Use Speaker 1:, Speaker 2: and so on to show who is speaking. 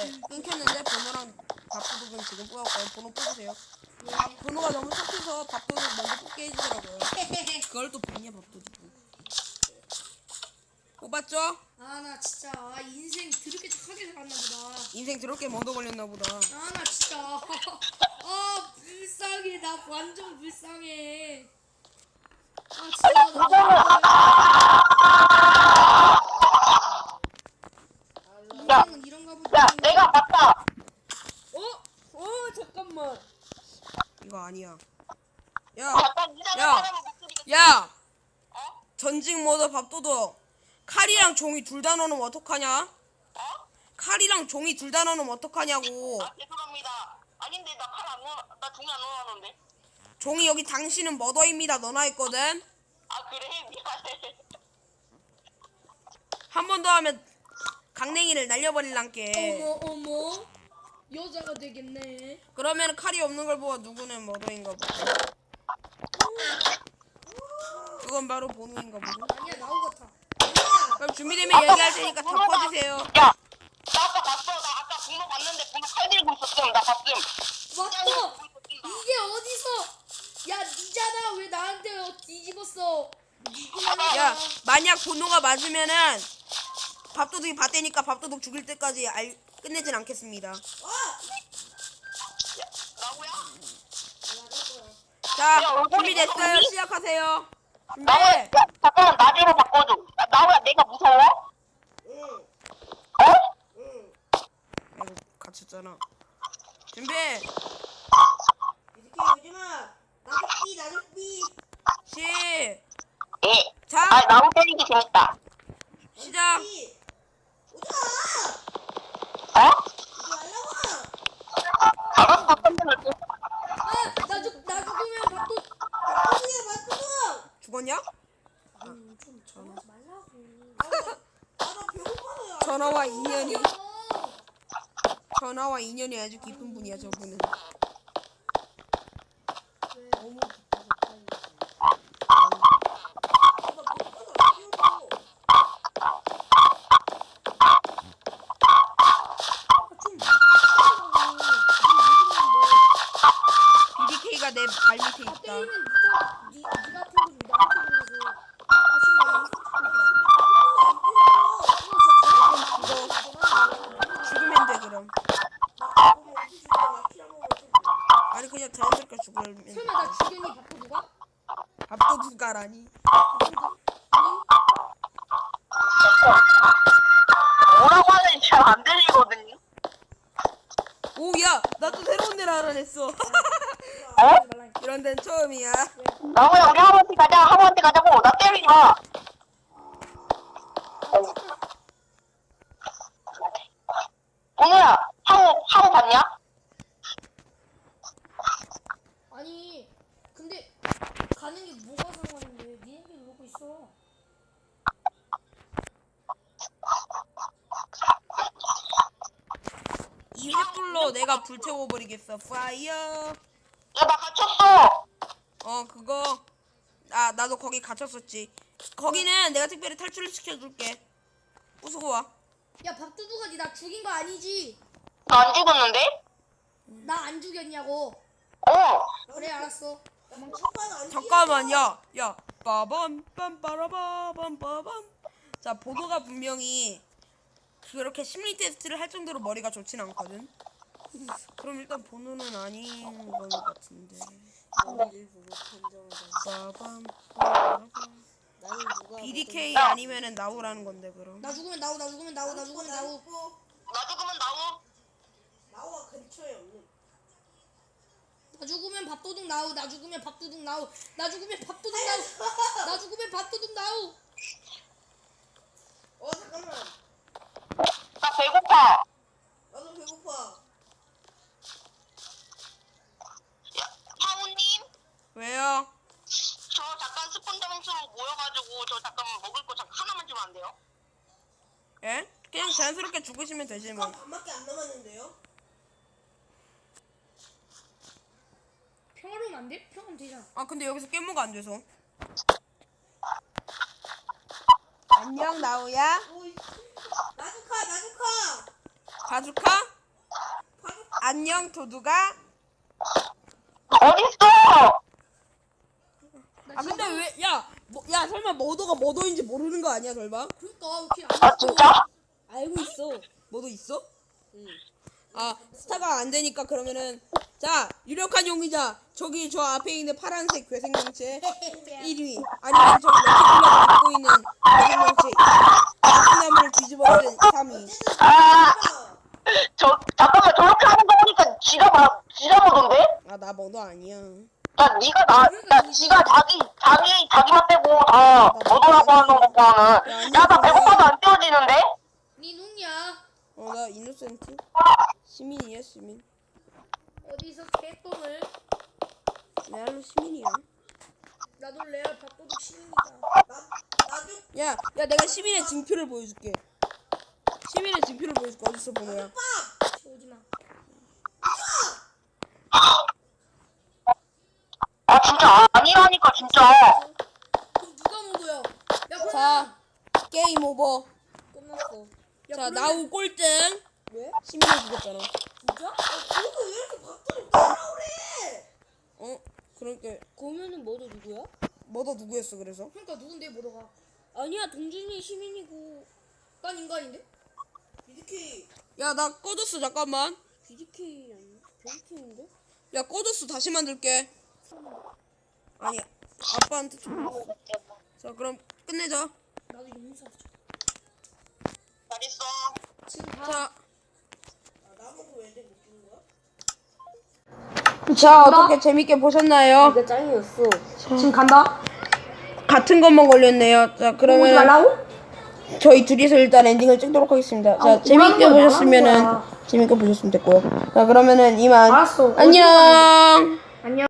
Speaker 1: 네, 끊겼는데 번호랑 밥도둑은 지금 뽑았고요. 번호 뽑으세요. 번호가 너무 착해서 밥도둑 먼저 뽑게 해주더라고요. 그걸 또 봤냐 밥도둑. 뽑았죠?
Speaker 2: 아 나 진짜 인생 드럽게 착하게 살았나 보다.
Speaker 1: 인생 더럽게 먼저 걸렸나 보다.
Speaker 2: 아 나 진짜 아 불쌍해. 나 완전 불쌍해. 아 진짜 나 인생은 이런가 보다.
Speaker 3: 야, 내가 봤다.
Speaker 2: 잠깐만.
Speaker 1: 이거 아니야. 야,
Speaker 3: 잠깐 이상한
Speaker 1: 야.
Speaker 3: 사람의 목소리가.
Speaker 1: 야! 전직 모드 밥도둑. 칼이랑 종이 둘 다 넣으면 어떡하냐? 칼이랑 종이 둘 다 넣으면 어떡하냐고.
Speaker 3: 아, 죄송합니다. 아닌데 나 칼 안 넣어, 나 종이 안 넣어놨는데.
Speaker 1: 종이 여기 당신은 머더입니다. 넣어놔있거든.
Speaker 3: 아 그래 미안해.
Speaker 1: 한 번 더 하면 강냉이를 날려버릴란게.
Speaker 2: 어머 여자가 되겠네.
Speaker 1: 그러면 칼이 없는 걸 보아 누구는 머더인가 보다. 그건 바로 본우인가 보다.
Speaker 2: 아니야 나온 것 같아.
Speaker 1: 그럼 준비되면 얘기할 테니까 다 퍼주세요.
Speaker 3: 야, 나 아까 봤어. 나 아까 분노 봤는데 분노 칼 들고 있었음. 나 봤음.
Speaker 2: 맞어. 이게 어디서? 야 니잖아. 왜 나한테 뒤집었어?
Speaker 1: 야, 만약 본우가 맞으면은 밥도둑이 봤대니까 밥도둑 죽일 때까지 끝내진 않겠습니다.
Speaker 3: 나고야?
Speaker 1: 자, 준비됐어요. 시작하세요. 준비.
Speaker 3: 나고야, 야, 잠깐만 나중으로 바꿔줘. 야, 나고야, 내가 무서워? 어?
Speaker 1: 아이고, 갇혔잖아. 준비.
Speaker 4: 이렇게 오지마. 나도 삐.
Speaker 3: 예.
Speaker 1: 시작.
Speaker 3: 아, 나무 때리기 재밌다.
Speaker 1: 시작.
Speaker 4: 삐. 오지마.
Speaker 3: 어?
Speaker 4: 이거 말라고.
Speaker 3: 알았어, 선생님.
Speaker 2: 나 죽으면 밥도.
Speaker 4: 어디야 맞구나.
Speaker 1: 죽었냐?
Speaker 2: 좀 전화하지 말라고.
Speaker 4: 나 배고파서요.
Speaker 1: 전화와 인연이 전화와 인연이 아주 깊은 분이야 저분은.
Speaker 2: 너무 기뻐서
Speaker 4: 나 배고파서 안 뛰어줘.
Speaker 1: BDK가 내 발 밑에 있다.
Speaker 2: 때리면 니가 태우고 나한테 그러고. 아
Speaker 1: 죽어. 죽으면 돼 그럼. 아니 그냥 자연스럽게 죽으면 돼.
Speaker 2: 설마 나 죽였니 밥도 누가?
Speaker 1: 밥도둑가라니.
Speaker 3: 뭐라고 하는지 잘 안 들리거든요.
Speaker 1: 오야 나도 새로운 데를 알아냈어.
Speaker 3: 어?
Speaker 1: 이런 데는 처음이야.
Speaker 3: 나무야, 우리 하모한테 가자. 하모한테 가자고. 나 때리지 마. 오늘아, 하모 봤냐?
Speaker 2: 아니 근데 가는 게 뭐가 상관인데 니네끼리 놀고 있어.
Speaker 1: 이 횃불로 내가 불태워버리겠어. 파이어.
Speaker 3: 야, 나 갇혔어.
Speaker 1: 그거. 아 나도 거기 갇혔었지. 거기는 내가 특별히 탈출을 시켜줄게. 부수고 와.
Speaker 2: 야 밥도둑아 니 나 죽인 거 아니지?
Speaker 3: 나 안 죽었는데?
Speaker 2: 나 안 죽였냐고.
Speaker 3: 어.
Speaker 2: 그래 알았어.
Speaker 1: 잠깐만 야 빠밤 빰빠라바밤 빠밤. 자 보도가 분명히 그렇게 심리 테스트를 할 정도로 머리가 좋진 않거든. 그럼 일단 번호는 아닌 것 같은데. 빠밤 빠라밤. BDK 아니면은 나우라는 건데 그럼.
Speaker 2: 나 죽으면 나우.
Speaker 3: 나 죽으면 나우.
Speaker 4: 나와 근처에 없는.
Speaker 2: 나 죽으면 밥도둑 나우. 나 죽으면 밥도둑 나우. 나 죽으면 밥도둑 나우. 나 죽으면 밥도둑 나우.
Speaker 4: 잠깐만.
Speaker 3: 나 배고파.
Speaker 4: 나도 배고파.
Speaker 3: 하모님,
Speaker 1: 왜요?
Speaker 3: 저 잠깐 스폰 점수로 모여가지고 저 잠깐 먹을 거 잠깐 하나만 주면 안 돼요?
Speaker 1: 예? 그냥 자연스럽게 죽으시면 되지 뭐.
Speaker 4: 반밖에 안 남았는데요?
Speaker 2: 평화로우면 안 돼? 평화로우면 되잖아.
Speaker 1: 아 근데 여기서 깨모가 안 돼서. 안녕 나우야.
Speaker 4: 나도 카.
Speaker 1: 바주카? 안녕 도두가?
Speaker 3: 어딨어?
Speaker 1: 아 근데 왜 야 설마 머더가 머더인지 모르는 거 아니야 설마?
Speaker 2: 그러니까 왜
Speaker 3: 아
Speaker 2: 이렇게
Speaker 3: 진짜?
Speaker 1: 알고 있어. 머더 있어? 응. 아 스타가 안 되니까 그러면은 자 유력한 용의자 저기 저 앞에 있는 파란색 괴생명체 1위 아니면 저기 럭키블럭을 입고 있는 괴생명체 나무를 뒤집어쓰는 3위.
Speaker 3: 아, 잠깐만 저렇게 하는 거 보니까 지가 뭐던데?
Speaker 1: 아 나 머더 아니야.
Speaker 3: 야 지가 자기만 빼고 다 뭐더라고 하는 거 보면은 야 나 배고파서 안 떼어지는데?
Speaker 2: 니 누구냐?
Speaker 1: 나 이노센트 시민이야 시민.
Speaker 2: 어디서 개똥을?
Speaker 1: 레알로 시민이야.
Speaker 2: 나도 레알 밥도둑 시민이다.
Speaker 4: 나중
Speaker 1: 야 내가 시민의 징표를 보여줄게. 시민의 징표를 보여줄게. 어딨어 보노야?
Speaker 2: 오지마.
Speaker 3: 아 진짜 아니라니까 진짜.
Speaker 2: 그럼 누가 모도야? 야 그럼
Speaker 1: 자 게임 오버.
Speaker 2: 끝났어. 야,
Speaker 1: 자
Speaker 2: 그러면-
Speaker 1: 나우 꼴등.
Speaker 4: 왜?
Speaker 1: 시민을 죽였잖아.
Speaker 2: 진짜?
Speaker 4: 너는 왜 이렇게 밥도둑 따라오래?
Speaker 1: 그러니까
Speaker 5: 그러면은 뭐도 누구야?
Speaker 1: 머더 누구였어 그래서?
Speaker 2: 그러니까 누군데 모도가?
Speaker 5: 아니야 동준이 시민이고
Speaker 2: 난 인간인데?
Speaker 4: BDK
Speaker 1: 야 나 꺼졌어 잠깐만.
Speaker 5: BDK 아니야? BDK인데?
Speaker 1: 야 꺼졌어 다시 만들게. 아니 아빠한테 좀. 자 그럼 끝내자.
Speaker 2: 나도 용사.
Speaker 3: 잘 있어.
Speaker 2: 지금 다.
Speaker 1: 자.
Speaker 4: 나보고 왜 이렇게 못 주는 거야?
Speaker 1: 자 어떻게 재밌게 보셨나요?
Speaker 5: 이게 짱이었어.
Speaker 2: 지금 간다.
Speaker 1: 같은 것만 걸렸네요. 자 그러면 저희 둘이서 일단 엔딩을 찍도록 하겠습니다. 자 재밌게 보셨으면은 재밌게 보셨으면 됐고요. 자 그러면은 이만
Speaker 2: 알았어.
Speaker 1: 안녕.
Speaker 2: 안녕.